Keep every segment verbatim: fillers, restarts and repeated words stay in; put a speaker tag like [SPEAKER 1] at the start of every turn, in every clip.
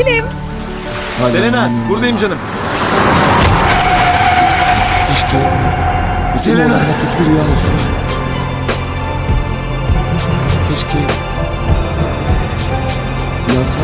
[SPEAKER 1] Sevgilim.
[SPEAKER 2] Hala
[SPEAKER 3] Selena,
[SPEAKER 2] inanamıyorum
[SPEAKER 3] buradayım
[SPEAKER 2] ya.
[SPEAKER 3] canım.
[SPEAKER 2] Keşke bizim
[SPEAKER 3] Selena.
[SPEAKER 2] olanlar kötü bir rüya olsun. Keşke uyansam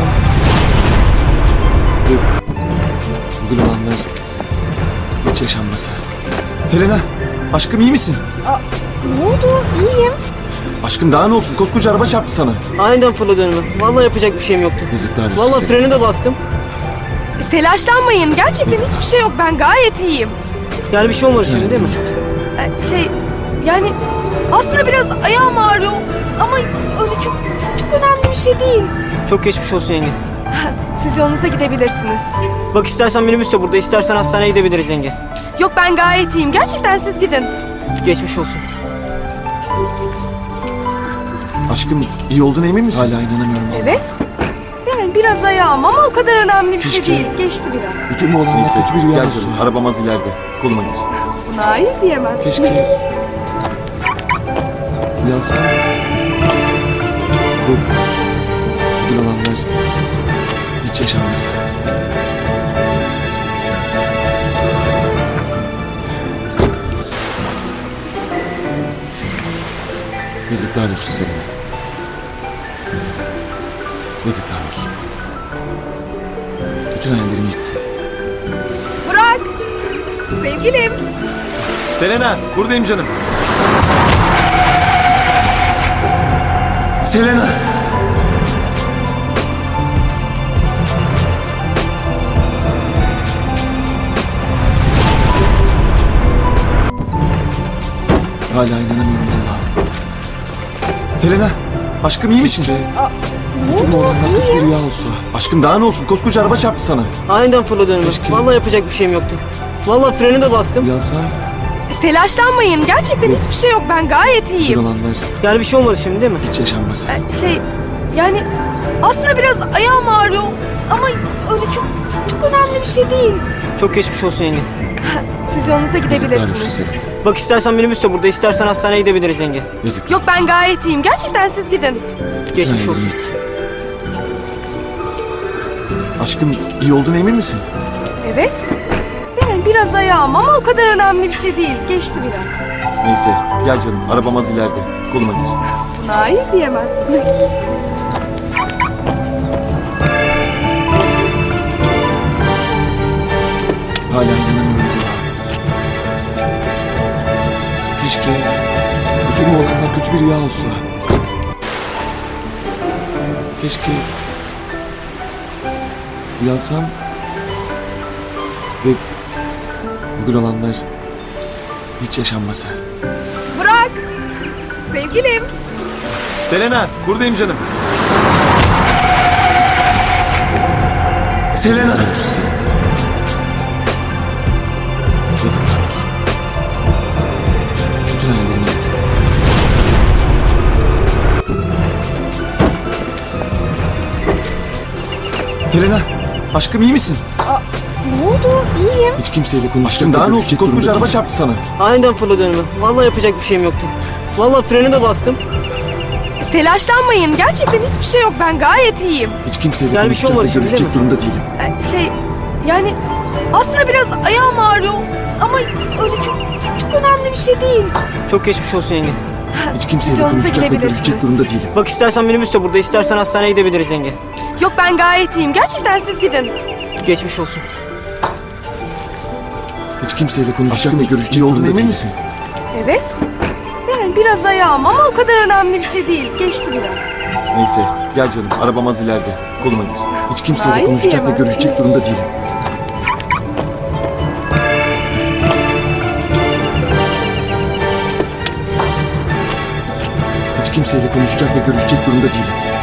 [SPEAKER 2] ve bugün olanlar hiç yaşanmasa.
[SPEAKER 3] Selena, aşkım iyi misin?
[SPEAKER 1] Aa, ne oldu? İyiyim.
[SPEAKER 3] Aşkım daha ne olsun? Koskoca araba çarptı sana.
[SPEAKER 4] Aniden fırladı önüme. Vallahi yapacak bir şeyim yoktu.
[SPEAKER 2] Yazıklar olsun.
[SPEAKER 4] Vallahi
[SPEAKER 2] Selena.
[SPEAKER 4] freni de bastım.
[SPEAKER 1] Telaşlanmayın. Gerçekten
[SPEAKER 2] Neyse.
[SPEAKER 1] hiçbir şey yok. Ben gayet iyiyim.
[SPEAKER 4] Yani bir şey olmadı şimdi değil mi?
[SPEAKER 1] Ee, şey yani aslında biraz ayağım ağrıyor ama öyle çok çok önemli bir şey değil.
[SPEAKER 4] Çok geçmiş olsun yenge.
[SPEAKER 1] Siz yolunuza gidebilirsiniz.
[SPEAKER 4] Bak istersen minibüs de burada, istersen hastaneye gidebiliriz yenge.
[SPEAKER 1] Yok ben gayet iyiyim. Gerçekten siz gidin.
[SPEAKER 4] Geçmiş olsun.
[SPEAKER 3] Aşkım iyi olduğuna emin misin?
[SPEAKER 2] Hala inanamıyorum.
[SPEAKER 1] Evet. Yani biraz ayağım ama o kadar önemli bir şey
[SPEAKER 2] Keşke-
[SPEAKER 1] değil. Geçti biraz.
[SPEAKER 2] Bütün bu olanlar
[SPEAKER 3] Neyse,
[SPEAKER 2] kötü bir rüya
[SPEAKER 3] gel
[SPEAKER 2] olsun.
[SPEAKER 3] canım. Arabam az ileride. Koluma geç.
[SPEAKER 1] Buna hayır diyemem.
[SPEAKER 2] Keşke uyansam ve bugün olanlar hiç yaşanmasa. Yazıklar olsun Selena. Yazıklar olsun. Bütün hayallerimi yıktın.
[SPEAKER 1] Burak. Sevgilim.
[SPEAKER 3] Selena, buradayım canım. Selena.
[SPEAKER 2] Hala inanamıyorum Allah'ım.
[SPEAKER 3] Selena, aşkım iyi misin?
[SPEAKER 2] Keşke
[SPEAKER 1] Ne
[SPEAKER 2] bütün bu
[SPEAKER 1] oldu?
[SPEAKER 2] olanlar kötü bir
[SPEAKER 1] İyiyim.
[SPEAKER 2] rüya olsa.
[SPEAKER 3] Aşkım daha ne olsun? Koskoca araba çarptı sana.
[SPEAKER 4] Aniden fırladı önüme.
[SPEAKER 2] Keşke-
[SPEAKER 4] Vallahi yapacak bir şeyim yoktu. Vallahi freni de bastım.
[SPEAKER 2] Uyansam
[SPEAKER 1] Telaşlanmayın. Gerçekten hiçbir şey yok. Ben gayet
[SPEAKER 2] bir
[SPEAKER 1] iyiyim.
[SPEAKER 2] olanlar
[SPEAKER 4] Yani bir şey olmadı şimdi değil mi?
[SPEAKER 2] hiç yaşanmasa.
[SPEAKER 1] Ee, şey yani aslında biraz ayağım ağrıyor ama öyle çok çok önemli bir şey değil.
[SPEAKER 4] Çok geçmiş olsun yenge.
[SPEAKER 1] Siz yolunuza
[SPEAKER 2] Yazıklar olsun
[SPEAKER 1] gidebilirsiniz.
[SPEAKER 2] Selena.
[SPEAKER 4] Bak istersen minibüs de burada, istersen hastaneye gidebiliriz yenge.
[SPEAKER 2] Yazıklar
[SPEAKER 1] Yok ben
[SPEAKER 2] olsun.
[SPEAKER 1] gayet iyiyim. Gerçekten siz gidin.
[SPEAKER 4] Geçmiş
[SPEAKER 2] Bütün
[SPEAKER 4] olsun.
[SPEAKER 2] hayallerimi yıktın.
[SPEAKER 3] Aşkım iyi olduğuna emin misin?
[SPEAKER 1] Evet. Yani biraz ayağım ama o kadar önemli bir şey değil. Geçti biraz.
[SPEAKER 3] Neyse, gel canım. Arabam az ileride. Koluma geç.
[SPEAKER 1] Buna hayır diyemem.
[SPEAKER 2] Hala inanamıyorum Allah'ım. Keşke bütün bu olanlar kötü bir rüya olsa. Keşke uyansam ve bugün olanlar hiç yaşanmasa.
[SPEAKER 1] Burak. Sevgilim.
[SPEAKER 3] Selena, buradayım canım. Selena.
[SPEAKER 2] Yazıklar olsun Selena. Yazıklar olsun. Bütün hayallerimi yıktın.
[SPEAKER 3] Selena, aşkım iyi misin?
[SPEAKER 1] Ne oldu? İyiyim.
[SPEAKER 2] Hiç kimseyle konuşacak
[SPEAKER 3] Aşkım daha
[SPEAKER 2] ve
[SPEAKER 3] ne olsun?
[SPEAKER 2] görüşecek
[SPEAKER 3] Koskoca
[SPEAKER 2] durumda
[SPEAKER 3] araba
[SPEAKER 2] değilim.
[SPEAKER 3] çarptı sana.
[SPEAKER 4] Aniden fırladı önüme. Vallahi yapacak bir şeyim yoktu. Vallahi freni de bastım.
[SPEAKER 1] Telaşlanmayın. Gerçekten hiçbir şey yok. Ben gayet iyiyim.
[SPEAKER 2] Hiç kimseyle
[SPEAKER 4] Yani bir şey
[SPEAKER 2] konuşacak
[SPEAKER 4] olmadı
[SPEAKER 2] ve
[SPEAKER 4] şimdi,
[SPEAKER 2] görüşecek
[SPEAKER 4] değil mi?
[SPEAKER 2] durumda değilim.
[SPEAKER 1] Ee, şey yani aslında biraz ayağım ağrıyor ama öyle çok çok önemli bir şey değil.
[SPEAKER 4] Çok geçmiş olsun yenge.
[SPEAKER 2] Hiç kimseyle
[SPEAKER 1] yolunuza
[SPEAKER 2] konuşacak ve
[SPEAKER 1] gidebilirsiniz.
[SPEAKER 2] görüşecek durumda değilim.
[SPEAKER 4] Bak istersen minibüs de burada, istersen hastaneye gidebiliriz yenge.
[SPEAKER 1] Yok ben gayet iyiyim. Gerçekten siz gidin.
[SPEAKER 4] Geçmiş olsun.
[SPEAKER 2] Hiç kimseyle konuşacak
[SPEAKER 3] Aşkım
[SPEAKER 2] ve görüşecek
[SPEAKER 3] iyi olduğuna
[SPEAKER 2] durumda
[SPEAKER 3] emin
[SPEAKER 2] değilim.
[SPEAKER 3] misin?
[SPEAKER 1] Evet. Yani biraz ayağım ama o kadar önemli bir şey değil. Geçti biraz.
[SPEAKER 3] Neyse, gel canım. Arabam az ileride. Koluma geç.
[SPEAKER 2] Hiç kimseyle
[SPEAKER 1] Hayır
[SPEAKER 2] konuşacak ve
[SPEAKER 1] diyemem.
[SPEAKER 2] görüşecek durumda değilim. Hiç kimseyle konuşacak ve görüşecek durumda değilim.